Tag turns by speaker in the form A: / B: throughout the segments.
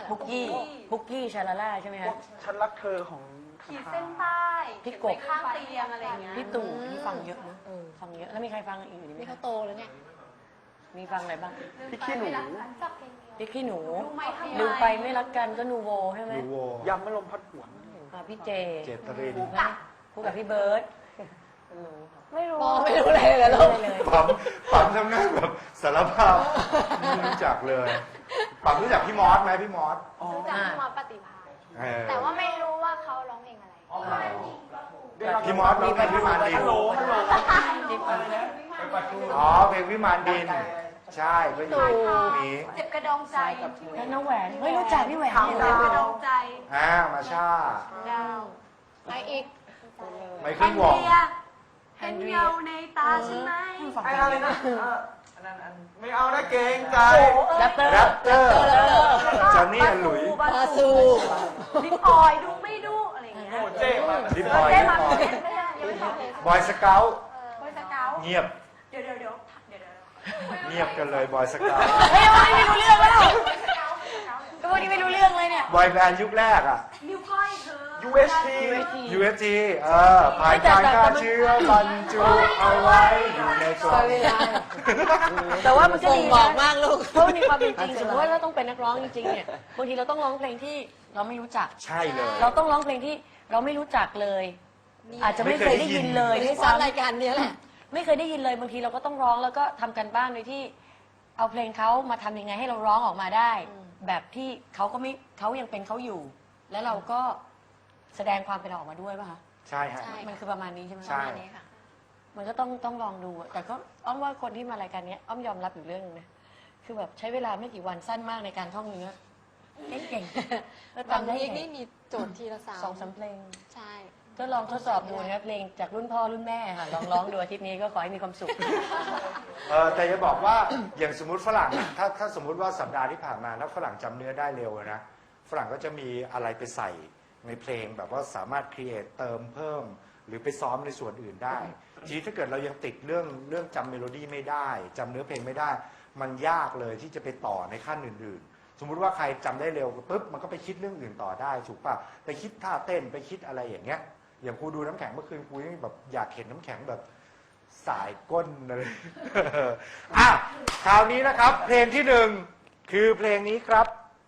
A: ปุกกี้ชาลาล่าใช่ไหมคะ
B: ฉันรักเธอของ
C: ขีดเส้นใต้
A: พี่กบ
C: ข้างเตียงอะไรอย่างเงี้ย
A: พี่ตู่ที่ฟังเยอะนะฟังเยอะแล้วมีใครฟังอีกไหม
D: นี่เขาโตแล้วเนี่ย
A: มีฟังอะไรบ้าง
B: พี่ขี้หนู
A: พี่ขี้หนู
C: รู้ไหมทำไม
A: ลืมไปไม่รักกันก็นูโวใช่ไหม
E: ดูโวย
B: ำมะลมพัดหวน
A: พี่เจ
E: เจตริน
A: นะคู่กับพี่เบิร์ดไม่รู้
D: มองไม่รู้เลยเหรอลูก
A: เลย
E: ปั๊มทำหน้าแบบสารภาพไม่รู้จักเลยปั๊มรู้จักพี่มอสไหมพี่มอส
F: รู้จักพี่มอสปฏิภาณ
E: เออ
F: แต่ว่าไม่รู้ว่าเขาร้องเพลงอะไร
E: พี่มอสร้องเพลงวิมานดิน
B: ฮัลโหล
A: ที่ฟัง
E: อ๋อเพลงวิมานดิน ใช่ก็อยู่มี
C: เจ็บกระดองใจ
A: แล้วน้องแหวนเฮ้ยรู้จักพี่แหวน
C: เจ็บกระดองใจ
E: มาช่า
C: ดาว
D: ไปอีก
E: ไม่
C: แอ
E: ขึ้น
C: น
E: วง
C: เดียเห็นเงาในตาฉันไหม
B: ไอ้อะไรนะอันนั้นไม่เอานะเกรงใจ
A: แรปเตอร์
E: แรปเตอร์จอนนี่หลุย
C: บาซู ลิปออยดูไม่ดูอะไรอย่างเงี้ย
B: โอ้เจ๊มา
E: ลิปออย
C: เจ๊
E: ลิป
C: มา
E: ออย
C: ไม่ได้ยังไม่บอกเลย
E: บอยสเกล
C: บอยสเกา
E: เงียบ
C: เดี๋ยว
E: เงียบกันเลยบอยสเกล
A: เฮ้ยวันนี้ไม่รู้เรื่องแล้วก็วันนี้ไม่รู้เรื่องเลยเนี่ย
E: บอยแบนด์ยุคแรกอ่ะ
C: นิ้วก้อยเธอ
B: UST
E: UFT ผ่านการฆ่าเชื้อบรรจุเอาไว้อยู่ในกล่อง
A: แต่ว่ามันก็
D: ส่ง
A: ดี
D: บอก
A: นะ
D: มากลูก
A: เพราะมีความเป็นจริงสมมติว่าเราต้องเป็นนักร้องจริงๆเนี่ยบางทีเราต้องร้องเพลงที่เราไม่รู้จัก
E: ใช่เลย
A: เราต้องร้องเพลงที่เราไม่รู้จักเลย อาจจะไม่เคยได้ยินเลย
D: ไม่
A: ด้
D: ได้
A: วย
D: ซ้อม
A: ซ้ำ
D: รายการเนี้ยแหละ
A: ไม่เคยได้ยินเลยบางทีเราก็ต้องร้องแล้วก็ทำกันบ้านโดยที่เอาเพลงเขามาทำยังไงให้เราร้องออกมาได้ แบบที่เขาก็ไม่เขายังเป็นเขาอยู่ แล้วเราก็แสดงความเป็นเราออกมาด้วยป่ะคะ
E: ใช่ฮะ
D: ใช่
A: มันคือประมาณนี้ใช่ไหม
E: ใช่
D: ประมาณนี้ค่ะ
A: มันก็ต้องลองดูอะแต่ก็อ้อมว่าคนที่มารายการเนี้ยอ้อมยอมรับอยู่เรื่องนึงนะคือแบบใช้เวลาไม่กี่วันสั้นมากในการท่องเนื้อเก่งๆแล้ว
D: บาง
A: ทำได้
D: ที
A: ไง
D: นี่มีโจทย์ทีละสาม
A: สองสามเพลง
D: ใช่
A: ก็ลองทดสอบดูนะครับเพลงจากรุ่นพ่อรุ่นแม่ค่ะลองร้องดูอาทิตย์นี้ก็ขอให้มีความสุข
E: แต่จะบอกว่าอย่างสมมติฝรั่งอะถ้าสมมุติว่าสัปดาห์ที่ผ่านมาแล้วฝรั่งจำเนื้อได้เร็วอะนะฝรั่งก็จะมีอะไรไปใส่ในเพลงแบบว่าสามารถครีเอทเติมเพิ่ม หรือไปซ้อมในส่วนอื่นได้ทีนี้ถ้าเกิดเรายังติดเรื่องจำเมโลดี้ไม่ได้จำเนื้อเพลงไม่ได้ มันยากเลยที่จะไปต่อในขั้นอื่นๆ สมมุติว่าใครจำได้เร็วปุ๊บมันก็ไปคิดเรื่องอื่นต่อได้ถูกป่ะไปคิดท่าเต้นไปคิดอะไรอย่างเงี้ยอย่างครูดูน้ำแข็งเมื่อคืนครูยังแบบอยากเห็นน้ำแข็งแบบสายก้นเลย อ่ะคราวนี้นะครับ เพลงที่หนึ่งคือเพลงนี้ครับ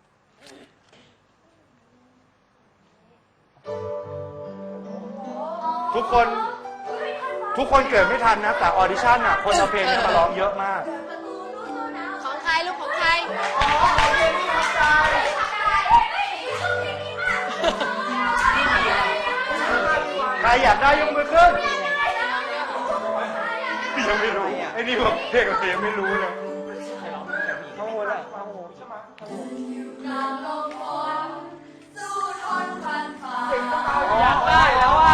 E: ทุกคนเกิดไม่ทันนะ แต่ออดิชั่นอ่ะคนเอาเพลงนี้มาร้องเยอะมาก
D: ของใครลูกของใคร
E: ใครอยากได้ยกมือขึ้น ยังไม่รู้ไอ้นี่บอกเพลงกับเพลงไม่รู้เลย
B: ข้างบนอ่ะข้างบน
A: อยากได้แล้วอ่ะ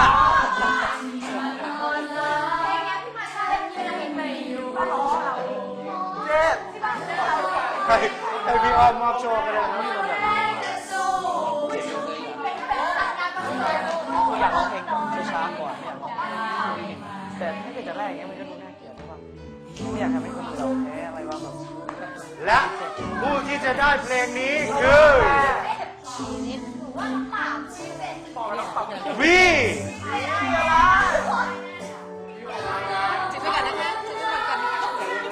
B: เจ๊
E: ให้พี่อ้อมมอบโชว์ก็ได้นะ
B: อยากร้องเพลงช้าๆก่อนเนี่ยแต่ถ้าเกิดจะแรกอย่างเงี้ยมันก็ดูน่าเกลียดใช่ป่ะไม่อยากทำให้คนอื่นเราแพ้อะไรว่าแบบ
E: และผู้ที่จะได้เพลงนี้คือวี
D: จิบไปก่อนนะคะจิบไปก่อนนะคะ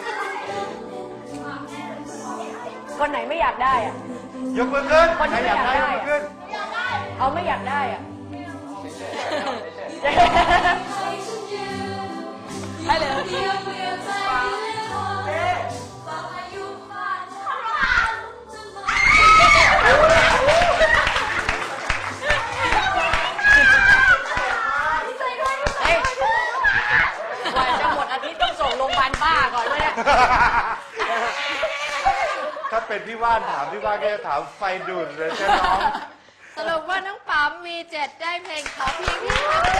A: คนไหนไม่อยากได้อ่ะ
E: ยกมือขึ้น
A: คนที่
E: ใครอยากได้
A: ไม่
E: ย
A: อยาก
E: ก
A: ได้
E: มือขึ้น
A: เอาไม่อยากได้อ่ะให้เลยเฮ้ยกว่าจะหมดอาทิตย์ต้องส่งโรงพยาบาลบ้าก่อนเลยเนี่ย
E: ถ้าเป็นพี่ว่านถามพี่ว่านก็จะถามไฟดูดเลยใช่น้อง
D: สรุปว่าน้องปั๊มมี7ได้เพลงขอเพียงที่ทำใจ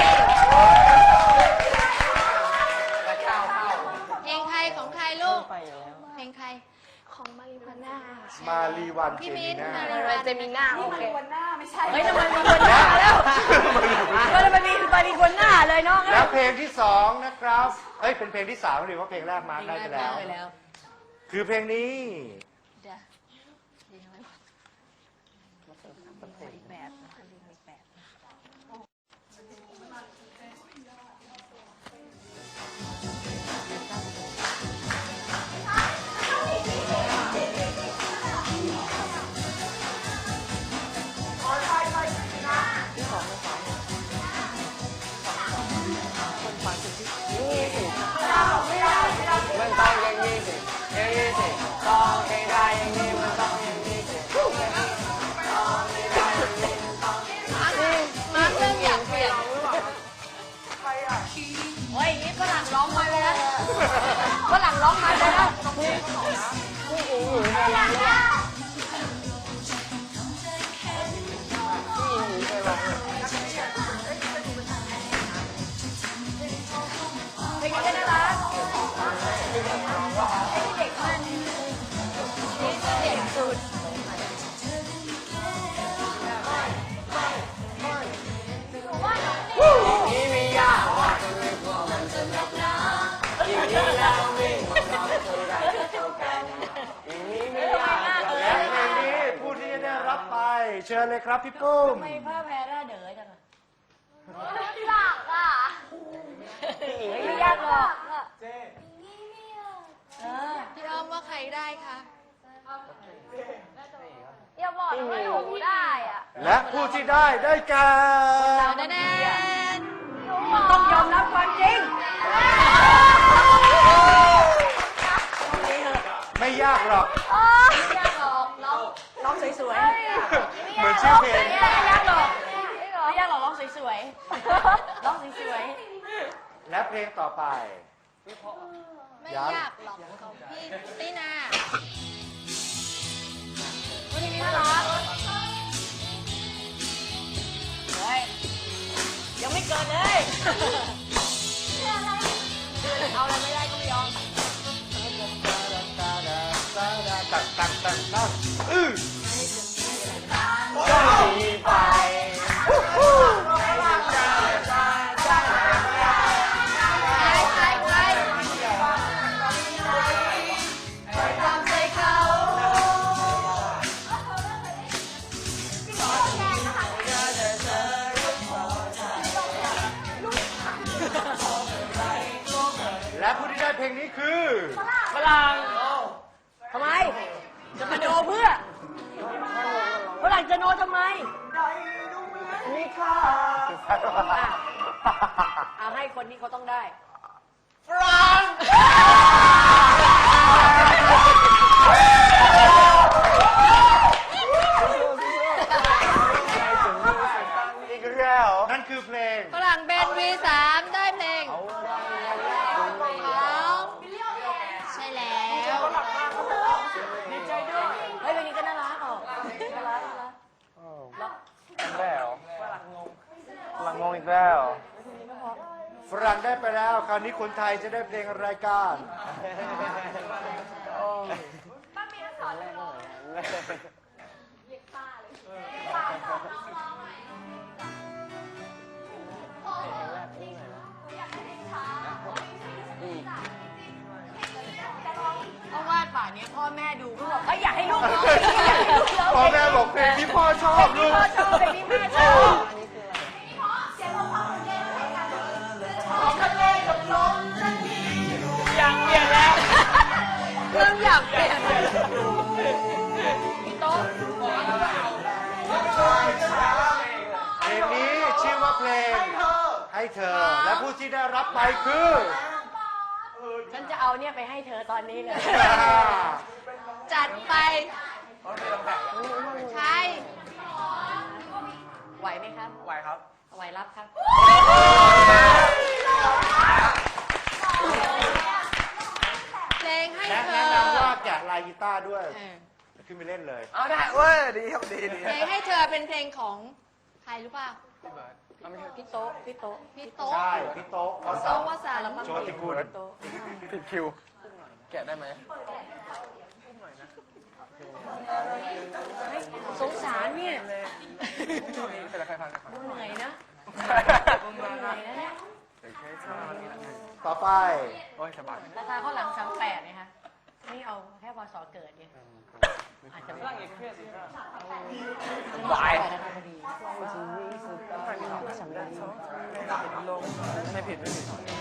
D: เพลงใครของใครลูก เพลงใคร
F: ของมาริวาน่า
E: มารีวัน
D: พี่
E: เจ
D: มิ้
E: มิ
D: น
E: น่า
D: มาริวันเจมิน่าโอเค
C: วันหน้าไม่ใช่
A: เฮ้ยทำไมมันคนหน้าแล้วมันมีคนหน้าเลยน้อง
E: แล้วเพลงที่สองนะครับเอ้ยเป็นเพลงที่สามหรือว่าเพลงแรกมาร์คได้ไปแล้ว คือเพลงนี้
D: เดี๋ยวดีไหมวะ
C: อีกแบบอีกแบบ
B: มันต้องอย่างนี้สิอย่างนี้สิต้องให้ได้อย่างนี้มันต้องอย่างนี้สิ
D: มาเรื่องอยากเปลี่ยน
A: โอ้ยอย่างนี้ฝรั่งร้องมาเลยนะฝรั่งร้องมาเลยนะเพลงนี้ก็น่ารักเด็กมันเด็กสุด
B: นี่ไม่ยากว่าจะไม่กลัวมันจะหนักหนาอย่างนี้แล้ววิ่งของเราจะได้เท่ากันอย่างนี้ไม่ยาก
E: และเพลงนี้ผู้ที่จะได้รับไป เชิญเลยครับพี่ปุ้ม
A: ทำไมผ้าแพรร่าเด๋อจังอะ
F: หลักอ่ะ
A: ไม่ยากหรอกเออ
D: พี่อ้อมว่าใครได้คะ
F: อย่าบอกนะว่าหนูได้อ่ะ
E: และผู้ที่ได้แก่
D: แน่แน่
A: มันต้องยอมรับความจริง
E: ไม่ยากหรอก
A: ไม่ยากหรอกร้องสวยๆ
E: เหมือนชื่อเพลง
A: ไม่ยากหรอกไม่ยากหรอกร้องสวยๆร้องสวย
E: และเพลงต่อไป
D: ไม่ยากหรอกของพี่ตินา
A: ๆวันนี้น่ารักเฮ้ยยังไม่เกิดเลยเอาอะไรไม่ได้ก็ไม่ยอม
E: ตั้งอื้อ
B: ต้องหนีไป
D: ใครตามใจเขา
E: และผู้ที่ได้เพลงนี้คือ
A: ฝรั่งทำไม จะมาโนเพื่อฝรั่งจะโนทำไม
B: นี่ค่ะ
A: เอาให้คนนี้เขาต้องได้
B: อีกแล้ว
E: นั่นคือเพลง
D: ฝรั่งเบน V3 ได้เพลงของใช่แล้ว
A: ดีใจด้วย เฮ้ยเพลงนี้ก็น่ารักออกน่ารัก
B: แล้วหลังงงอีกแล้ว
E: ฝรั่งได้ไปแล้ว คราวนี้คนไทยจะได้เพลงรายการ
A: เพราะว่าป่านนี้พ่อแม่ดูก็บอกอยากให้ลูกร้องอยากให้ลูกร้อง
E: พ่อแม่บอกเพลงที่พ่อชอบลูก
A: พ่อชอบเพลงนี้แม่ชอบ
B: อยากเปลี่ยนแล้ว
D: เริ่มอยากเปลี่ยน
A: โต๊ะ
E: เพลงนี้ชื่อว่าเพลงให้เธอ และผู้ที่ได้รับไปคือ
A: ฉันจะเอาเนี่ยไปให้เธอตอนนี้เลย
D: จัดไปใช่
A: ไหวไหมครับ
B: ไหวครับ
A: ไหวรับครับ
D: เพลงให้
E: และ
D: เธ
E: แนะ
D: อน
E: ำว่าแกะลายกีตาร์ด้วย
D: เออ
E: ขึ้นไปเล่นเลย
B: เอาได้เว้ยดีครับดี
D: เพลงให้เธอเป็นเพลงของใครรู้ป่ะ
A: พี่โต๊ะพี่โต๊ะ
D: พี่โต๊ะ
E: ใช่ พี่โต๊ะว
D: โต๊ะ
E: สัน
D: วสันต์
E: โชติกุล
A: โต๊ะ
B: ผิดคิว แกะได้ไหม
A: สงสารเนี่ย
B: เป็นอะไรใครฟังกัน
A: เหนื่อยนะเหนื่อยนะเนี่ย
E: ต่อไป
B: โอ้ยสบาย
A: ราคาข้าวหลัง38นะคะนี่เอาแค่พศเกิดเนี่ยอาจจะไม่
B: อีกเพื่อนสิครับาย
G: ไม่ผิดไม่ผิด